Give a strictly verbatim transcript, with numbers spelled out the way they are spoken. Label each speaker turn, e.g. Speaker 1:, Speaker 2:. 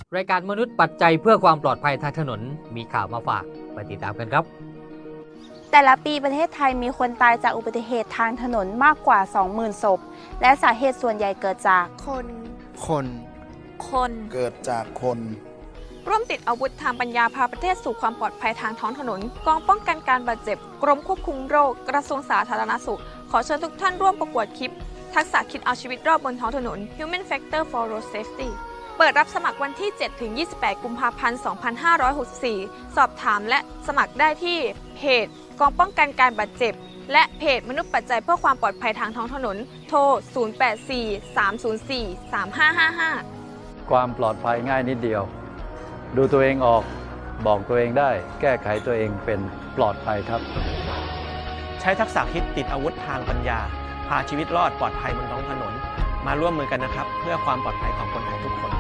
Speaker 1: รายการมนุษย์ปัจจัยเพื่อความปลอดภัยทางถนนมีข่าวมาฝากไปติดตามกันครับ
Speaker 2: แต่ละปีประเทศไทยมีคนตายจากอุบัติเหตุทางถนนมากกว่า สองหมื่น ศพและสาเหตุส่วนใหญ่เกิดจาก
Speaker 3: คน
Speaker 4: คน
Speaker 3: คน
Speaker 4: เกิดจากคน
Speaker 3: ร่วมติดอาวุธทางปัญญาพาประเทศสู่ความปลอดภัยทางท้องถนนกองป้องกันการบาดเจ็บกรมควบคุมโรคกระทรวงสาธารณสุขขอเชิญทุกท่านร่วมประกวดคลิปทักษะคิดเอาชีวิตรอบบนท้องถนน Human Factor for Road Safety เปิดรับสมัครวันที่ เจ็ดถึงยี่สิบแปด กุมภาพันธ์ สองพันห้าร้อยหกสิบสี่ สอบถามและสมัครได้ที่เพจกองป้องกันการบาดเจ็บและเพจมนุษย์ปัจจัยเพื่อความปลอดภัยทางท้องถนนโทร ศูนย์ แปด สี่ สาม ศูนย์ สี่ สาม ห้า ห้า ห้า
Speaker 5: ความปลอดภัยง่ายนิดเดียวดูตัวเองออกบอกตัวเองได้แก้ไขตัวเองเป็นปลอดภัยครับ
Speaker 6: ใช้ทักษะคิดติดอาวุธทางปัญญาพาชีวิตรอดปลอดภัยบนท้องถนนมาร่วมมือกันนะครับเพื่อความปลอดภัยของคนไทยทุกคน